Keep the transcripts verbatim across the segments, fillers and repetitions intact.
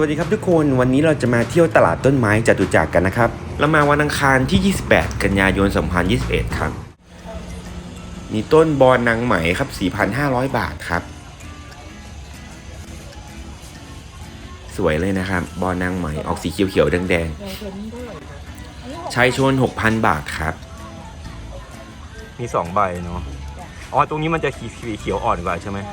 ดีครับทุกคนวันนี้เราจะมาเที่ยวตลาดต้นไม้จตุจักรกันนะครับเรามาวันอังคารที่ยี่สิบแปดกันยายนสองพันยี่สิบเอ็ดครับมีต้นบอนนางไหมครับ สี่พันห้าร้อย บาทครับสวยเลยนะครับบอนนางไหมออกสีเขียวๆแดงๆชายชน หกพัน บาทครับมีสองใบเนาะอ๋อตรงนี้มันจะสีเขียวอ่อนกว่าใช่ไหม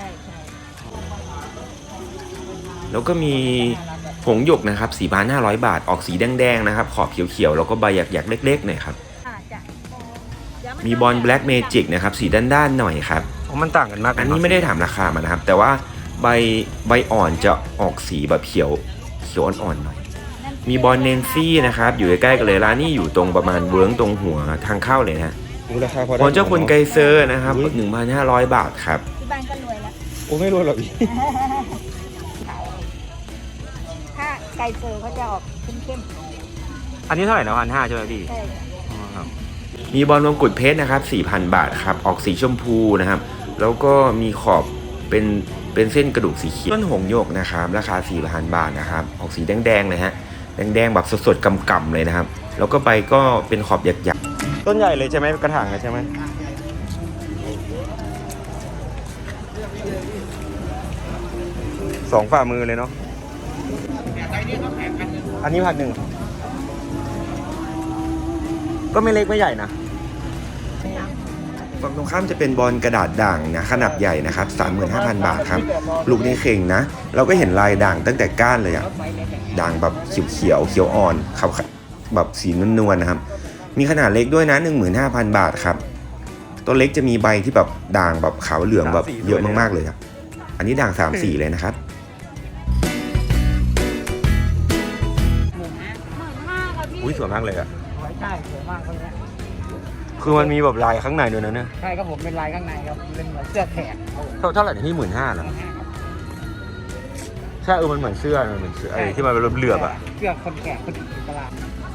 แล้วก็มีผงหยกนะครับ สี่พันห้าร้อย บาทออกสีแดงๆนะครับขอบเขียวๆแล้วก็ใบหยักๆเล็กๆหน่อยครับมีบอลแบล็กเมจิกนะครับสีด้านๆหน่อยครับมันต่างกันมากอันนี้ไม่ได้ถามราคามานะครับแต่ว่าใบใบอ่อนจะออกสีแบบเขียวเขียวอ่อนๆหน่อยมีบอลเนนซี่นะครับอยู่ใกล้ๆกันเลยร้านนี้อยู่ตรงประมาณเวิร์งตรงหัวทางเข้าเลยนะบอลเจ้าคุณไกเซอร์นะครับ หนึ่งพันห้าร้อย บาทครับที่บ้านก็รวยแล้วโอ้ไม่รวยหรอกพี่ถ้าไก่เซอร์เขาจะออกเข้มอันนี้เท่าไหร่นะพันห้าใช่ไหมพี่ๆใช่มีบอลมงกุฎเพชรนะครับ สี่พัน บาทครับออกสีชมพูนะครับแล้วก็มีขอบเป็นเป็นเส้นกระดูกสีเขียวต้นหงส์หยกนะครับราคา สี่พัน บาทนะครับออกสีแดงๆเลยฮะแดงๆแบบสดๆกำๆเลยนะครับแล้วก็ใบก็เป็นขอบหยักๆต้นใหญ่เลยใช่ไหมกระถางใช่ไหมสองฝ่ามือเลยเนาะอันนี้พันหนึ่งก็ไม่เล็กไม่ใหญ่นะฝั่งตรงข้ามจะเป็นบอลกระดาษด่างนะขนาดใหญ่นะครับ สามหมื่นห้าพัน บาทครับปลูกในเข่งนะเราก็เห็นลายด่างตั้งแต่ก้านเลยอะด่างแบบเขียวเขียวเขียวอ่อนขาวแบบสีนวลๆนะครับมีขนาดเล็กด้วยนะ หนึ่งหมื่นห้าพัน บาทครับต้นเล็กจะมีใบที่แบบด่างแบบขาวเหลืองแบบเยอะมากๆเลยครับอันนี้ด่างสามสีเลยนะครับอุ้ยสวยมากเลยอะใช่สวยมากเลยนะคือมันมีแบบลายข้างในด้วยนะเนี่ยใช่ครับผมเป็นลายข้างในครับเป็นเหมือนเสื้อแขกเท่าเท่าไหร่ที่หมื่นห้าเหรอใช่เออมันเหมือนเสื้อมันเหมือนเสื้อไอ้ที่มันเป็นเหลือบๆอะเสื้อคนแขกคนตลาด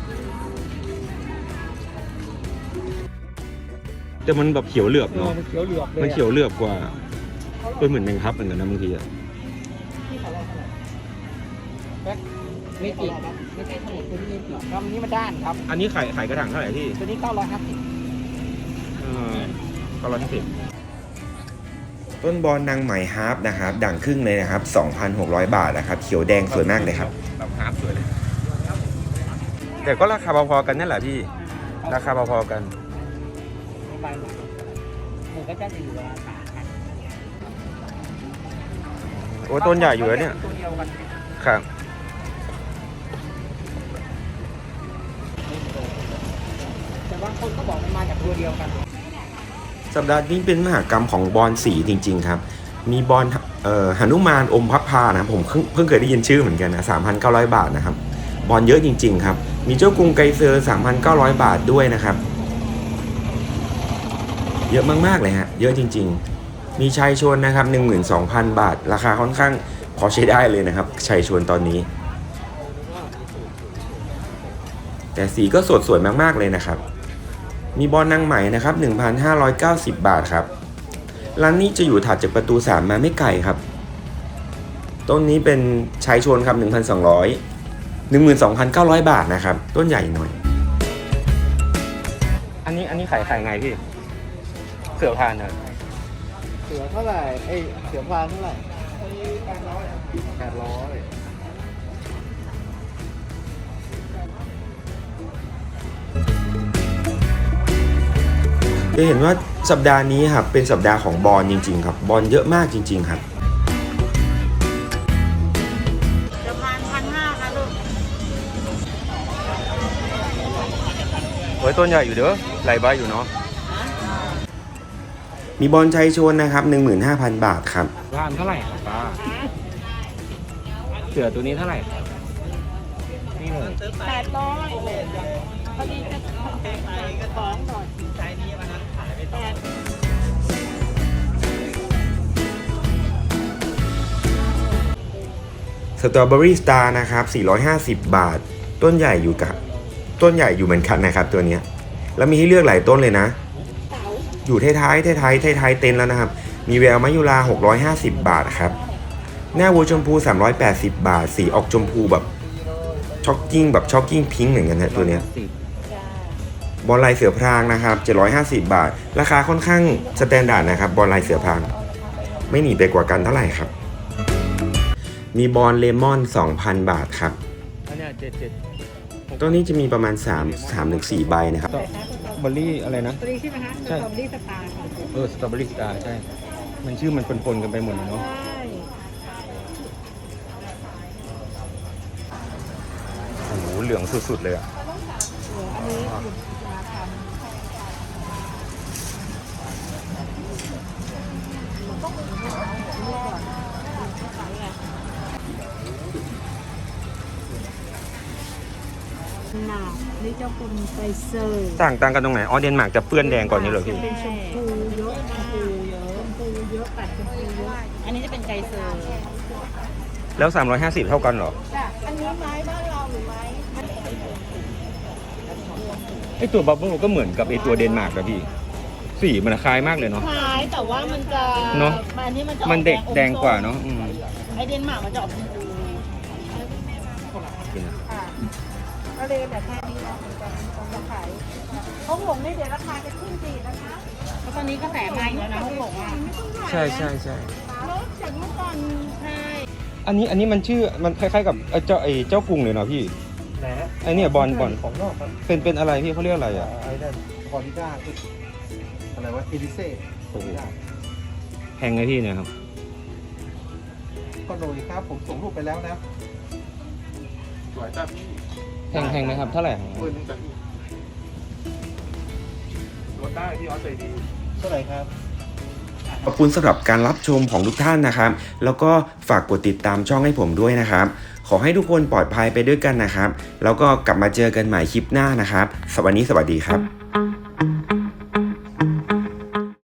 แต่มันแบบเขียวเหลือบเนาะมันเขียวเหลือบเลยมันเขียวเหลือบกว่าเป็นเหมือนแมงทับเหมือนกันนะบางทีอะไม่ติดไม่ใช่ตัวนี้ตัวนี้ติดครับนี้มันด้านครับอันนี้ขายขายกระถางเท่าไหร่ที่ตัวนี้เก้าร้อยห้าสิบเออเก้าร้อยห้าสิบต้นบอลนางไหมฮาร์ปนะครับด่างครึ่งเลยนะครับ สองพันหกร้อย บาทนะครับเขียวแดงสวยมากเลยครับแบบฮาร์ปสวยเลยแต่ก็ราคาพอๆกันนั่นแหละพี่ราคาพอๆกันหมูก็จะอยู่ราคาโอ้ต้นใหญ่อยู่แล้วเนี่ยครับแต่ว่าคนก็บอกมันมาจากตัวเดียวกันสัปดาห์นี้เป็นมหกรรมของบอลสีจริงๆครับมีบอลเอ่อหนุมานอมพับพานะผมเพิ่งเพิ่งเคยได้ยินชื่อเหมือนกันนะ สามพันเก้าร้อย บาทนะครับบอลเยอะจริงๆครับมีเจ้ากรุงไกเซอร์ สามพันเก้าร้อย บาทด้วยนะครับเยอะมากๆเลยฮะเยอะจริงๆมีชายชนนะครับ หนึ่งหมื่นสองพัน บาทราคาค่อนข้างพอใช้ได้เลยนะครับชายชนตอนนี้แต่สีก็สดสวยมากๆเลยนะครับมีบอลนางไหมนะครับ หนึ่งพันห้าร้อยเก้าสิบ บาทครับร้านนี้จะอยู่ถัดจากประตูสามมาไม่ไกลครับต้นนี้เป็นชายชนครับ หนึ่งพันสองร้อย หนึ่งหมื่นสองพันเก้าร้อย บาทนะครับต้นใหญ่หน่อยอันนี้อันนี้ขายขายไงพี่เสือพานนะเสือเท่าไหร่เอ้ยเสือพานเท่าไหร่แปดร้อยแปดร้อยจะเห็นว่าสัปดาห์นี้ครับเป็นสัปดาห์ของบอลจริงๆครับบอลเยอะมากจริงๆครับจะพันพันห้าค่ะลูกโอ้ยต้นใหญ่อยู่เด้อไหลใบอยู่เนาะมีบอลชัยชนนะครับ หนึ่งหมื่นห้าพัน บาทครับร้านเท่าไหร่ครับป้าเสือตัวนี้เท่าไหร่ครับนี่เลยแปดร้อยพอดีจะแปดไปกระท้องหน่อยใช้นี้วันนั้นขายไปแปดสตรอเบอรี่สตาร์นะครับสี่ร้อยห้าสิบบาทต้นใหญ่อยู่กับต้นใหญ่อยู่เหมือนกันนะครับตัวนี้แล้วมีให้เลือกหลายต้นเลยนะอยู่ท้ายๆท้ายๆท้ายๆเต็นท์แล้วนะครับมีแววมะยุราหกร้อยห้าสิบบาทครับหน้าวัวชมพูสามร้อยแปดสิบบาทสีออกชมพูแบบช็อกกิ้งแบบช็อกกิ้งพิงค์เหมือนกันนะตัวเนี้ยสิบบอลลายเสือพรางนะครับเจ็ดร้อยห้าสิบบาทราคาค่อนข้างสแตนดาร์ดนะครับบอลลายเสือพรางไม่หนีไปกว่ากันเท่าไหร่ครับมีบอลเลมอน สองพัน บาทครับอันเนี้ยเจ็ดเจ็ดตัวนี้จะมีประมาณ3 3ถึง4ใบนะครับเบอร์รี่อะไรนะตัวนี้ใช่ไหมคะสใช่ตรอเบอรี่สตาร์ค่ะเออสตรอเบอรี่สตาร์ใช่ มันชื่อมันปนๆกันไปหมดเลยเนาะใช่โอ้โหเหลืองสุดๆเลยอ่ะเหลืออันนี้อยู่มาทำหนานี่เจ้าคุณไฟเซอร์ต่างต่างกันตรงไหนอ๋อเดนมาร์กจะเปื้อนแดงก่อนนี่เหรอพี่เป็นชมพูเยอะชมพูเยอะชมพูเยอะปัดชมพูเยอะอันนี้จะเป็นไกเซอร์แล้วสามร้อยห้าสิบเท่ากันเหรอจ้ะอันนี้ไม้บ้านเราหรือไม้ไอตัวบับเบิ้ลก็เหมือนกับไอตัวเดนมาร์กอะพี่ สีมันคล้ายมากเลยเนาะคล้ายแต่ว่ามันจะเนอะอันนี้มันจะออกมันเด็กอมแดงกว่าเนาะอืมไอเดนมาร์กมันจะออกชมพูกินอะค่ะก็เลยแบบแค่นี้เราจะจะขายเขาหงนี่เดี๋ยวราคาจะขึ้นดีนะคะแล้วตอนนี้ก็แสนมาอีกแล้วนะเขาบอกว่าใช่ใช่ใช่ลดจากเมื่อก่อนใช่อันนี้อันนี้มันชื่อมันคล้ายๆกับไอเจ้าไอเจ้ากรุงเลยเนาะพี่แหนไอเนี่ยบอลบอลของนอกครับเป็นเป็นอะไรพี่เขาเรียกอะไรอ่ะไอ้นั่นคอริด้าคืออะไรวะเอลิเซ่โอ้โห แพงไงพี่เนี่ยครับก็โดยครับ ผมส่งรูปไปแล้วนะสวยจัดแพงแพงไหมครับเท่าไหร่ครับหมื่นหนึ่งจัดลดได้ที่ออสเตรเลียเท่าไหร่ครับขอบคุณสำหรับการรับชมของทุกท่านนะครับ แล้วก็ฝากกดติดตามช่องให้ผมด้วยนะครับ ขอให้ทุกคนปลอดภัยไปด้วยกันนะครับ แล้วก็กลับมาเจอกันใหม่คลิปหน้านะครับสวัสดีสวัสดีครับ